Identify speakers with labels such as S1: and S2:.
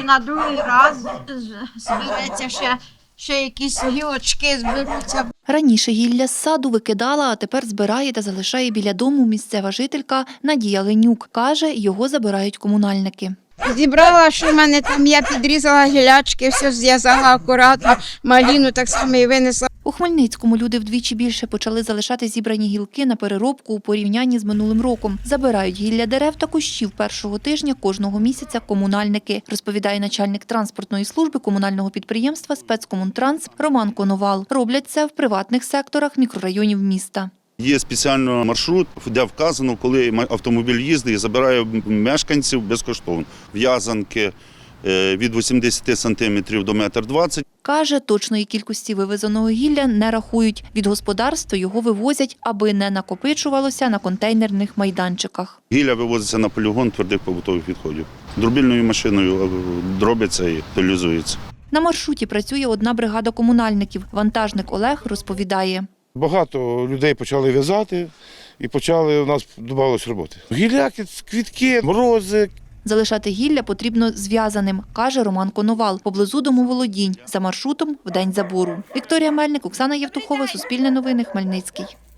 S1: на другий раз збереться ще якісь гілочки зберуться.
S2: Раніше гілля з саду викидала, а тепер збирає та залишає біля дому місцева жителька Надія Ленюк. Каже, його забирають комунальники.
S1: Зібрала, що в мене там, я підрізала гілячки, все зв'язала акуратно, маліну так само і винесла.
S2: У Хмельницькому люди вдвічі більше почали залишати зібрані гілки на переробку у порівнянні з минулим роком. Забирають гілля дерев та кущів першого тижня кожного місяця комунальники, розповідає начальник транспортної служби комунального підприємства «Спецкомунтранс» Роман Коновал. Роблять це в приватних секторах мікрорайонів міста.
S3: Є спеціальний маршрут, де вказано, коли автомобіль їздить і забирає мешканців безкоштовно. В'язанки від 80 сантиметрів до 1,20 м.
S2: Каже, точної кількості вивезеного гілля не рахують. Від господарства його вивозять, аби не накопичувалося на контейнерних майданчиках.
S3: Гілля вивозиться на полігон твердих побутових відходів. Дробільною машиною дробиться і утилізується.
S2: На маршруті працює одна бригада комунальників. Вантажник Олег розповідає.
S4: Багато людей почали в'язати і у нас додавалось роботи. Гілляки, квітки, морози.
S2: Залишати гілля потрібно зв'язаним, каже Роман Коновал, поблизу домоволодінь, за маршрутом в день забору. Вікторія Мельник, Оксана Євтухова, Суспільне новини, Хмельницький.